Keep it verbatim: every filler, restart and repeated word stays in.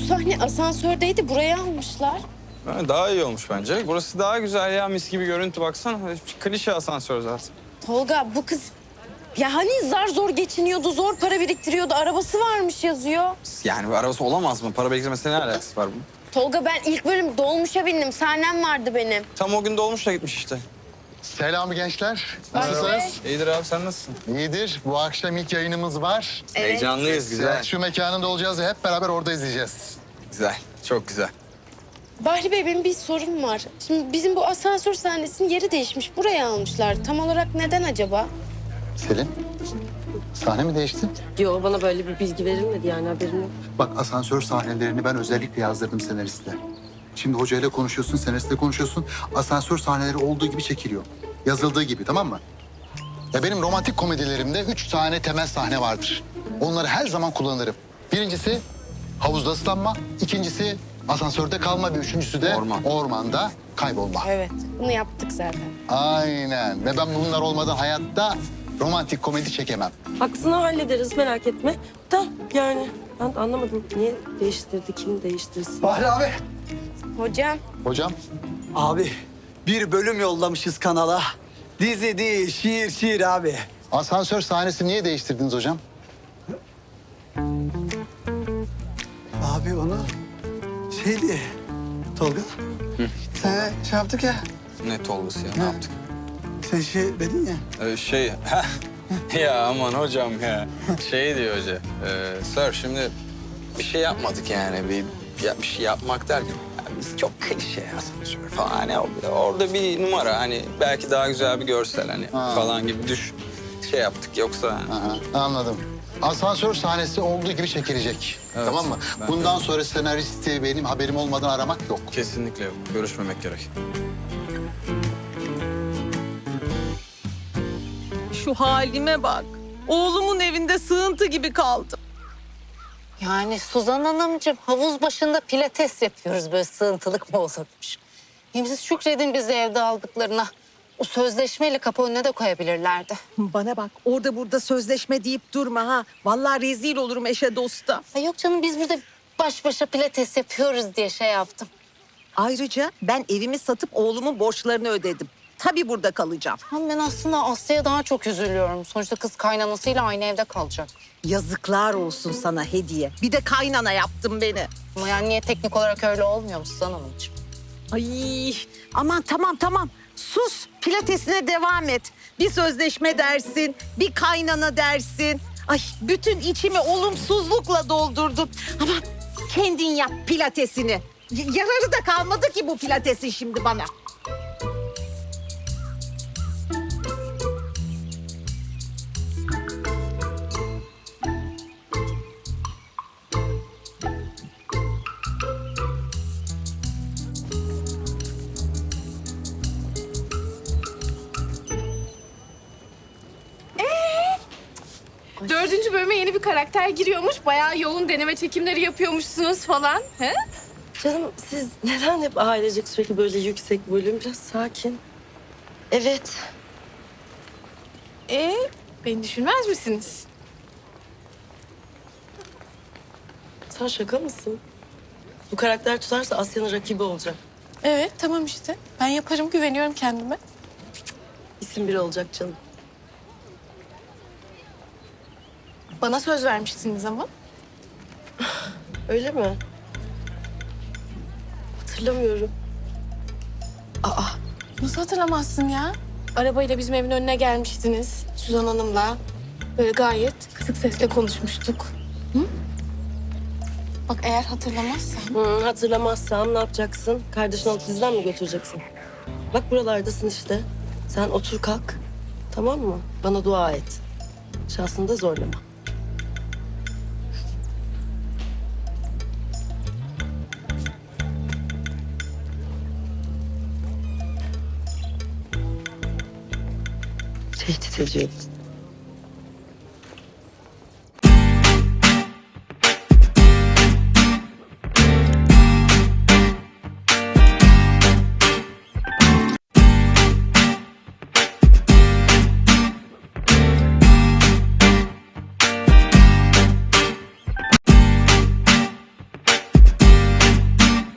sahne asansördeydi. Buraya almışlar. Ha, daha iyi olmuş bence. Burası daha güzel ya. Mis gibi görüntü baksana. Klişe asansör zaten. Tolga bu kız... Ya hani zar zor geçiniyordu, zor para biriktiriyordu. Arabası varmış yazıyor. Yani bir arabası olamaz mı? Para biriktirmesine ne alakası var bunun? Tolga ben ilk bölüm dolmuşa bindim. Sahnem vardı benim. Tam o gün dolmuşla gitmiş işte. Selam gençler. Vay be. Nasılsınız? İyidir abi, sen nasılsın? İyidir. Bu akşam ilk yayınımız var. Evet. Heyecanlıyız, güzel. Şu mekanında olacağız ve hep beraber orada izleyeceğiz. Güzel, çok güzel. Bahri Bey benim bir sorum var. Şimdi bizim bu asansör sahnesinin yeri değişmiş. Buraya almışlar. Tam olarak neden acaba? Selin, sahne mi değişti? Yo, bana böyle bir bilgi verilmedi yani, haberim yok. Bak asansör sahnelerini ben özellikle yazdırdım senariste. Şimdi hocayla konuşuyorsun, senaristle konuşuyorsun. Asansör sahneleri olduğu gibi çekiliyor. Yazıldığı gibi, tamam mı? Ya benim romantik komedilerimde üç tane temel sahne vardır. Onları her zaman kullanırım. Birincisi havuzda ıslanma, ikincisi asansörde kalma ve üçüncüsü de Orman. ormanda kaybolma. Evet. Bunu yaptık zaten. Aynen. Ve ben bunlar olmadan hayatta romantik komedi çekemem. Aksını hallederiz, merak etme. Da yani ben de anlamadım. Niye değiştirdi, kim değiştirsin? Bahri abi. Hocam. Hocam, Abi bir bölüm yollamışız kanala. Dizi değil, şiir şiir abi. asansör sahnesi niye değiştirdiniz hocam? Abi onu şeydi Tolga. Sen şey yaptık ya. Ne Tolgası ya, ne yaptık? Sen şey dedin ya. Ee, şey, ya aman hocam ya. Şey diyor hoca, e, sir şimdi bir şey yapmadık yani. Bir, ya, bir şey yapmak derken ya biz çok klişe asansör falan. Hani orada, orada bir numara hani belki daha güzel bir görsel hani Ha. falan gibi düş şey yaptık yoksa. Aha, anladım. Asansör sahnesi olduğu gibi çekilecek. Evet, Tamam mı? ben Bundan de. sonra senaristi benim haberim olmadan aramak yok. Kesinlikle yok. Görüşmemek gerek. Şu halime bak. Oğlumun evinde sığıntı gibi kaldım. Yani Suzan Hanımcığım havuz başında pilates yapıyoruz, böyle sığıntılık mı olurmuş? Hem siz şükredin bizi evde aldıklarına. O sözleşmeyle kapı önüne de koyabilirlerdi. Bana bak, orada burada sözleşme deyip durma ha. Vallahi rezil olurum eşe dosta. Ay yok canım, biz burada baş başa pilates yapıyoruz diye şey yaptım. Ayrıca ben evimi satıp oğlumun borçlarını ödedim. Tabii burada kalacağım. Ama ben aslında Aslı'ya daha çok üzülüyorum. Sonuçta kız kaynanasıyla aynı evde kalacak. Yazıklar olsun sana hediye. Bir de kaynana yaptın beni. Ama yani niye teknik olarak öyle olmuyor mu Suzan Hanımcığım? Ay aman tamam tamam. Sus, pilatesine devam et. Bir sözleşme dersin, bir kaynana dersin. Ay bütün içimi olumsuzlukla doldurdun. Ama kendin yap pilatesini. Y- yararı da kalmadı ki bu pilatesin şimdi bana. Dördüncü bölüme yeni bir karakter giriyormuş. Bayağı yoğun deneme çekimleri yapıyormuşsunuz falan. He? Canım siz neden hep ailecek sürekli böyle yüksek bölüm? Biraz sakin. Evet. Ee, beni düşünmez misiniz? Sen şaka mısın? Bu karakter tutarsa Asya'nın rakibi olacak. Evet, tamam işte. Ben yaparım, güveniyorum kendime. İsim biri olacak canım. Bana söz vermiştiniz ama. Öyle mi? Hatırlamıyorum. Aa, nasıl hatırlamazsın ya? Arabayla bizim evin önüne gelmiştiniz. Suzan Hanım'la. Böyle gayet kısık sesle konuşmuştuk. Hı? Bak eğer hatırlamazsan. Hı, hatırlamazsam ne yapacaksın? Kardeşini alıp bizden mi götüreceksin? Bak buralardasın işte. Sen otur kalk. Tamam mı? Bana dua et. Şansını da zorlama. Tehdit ediyorum.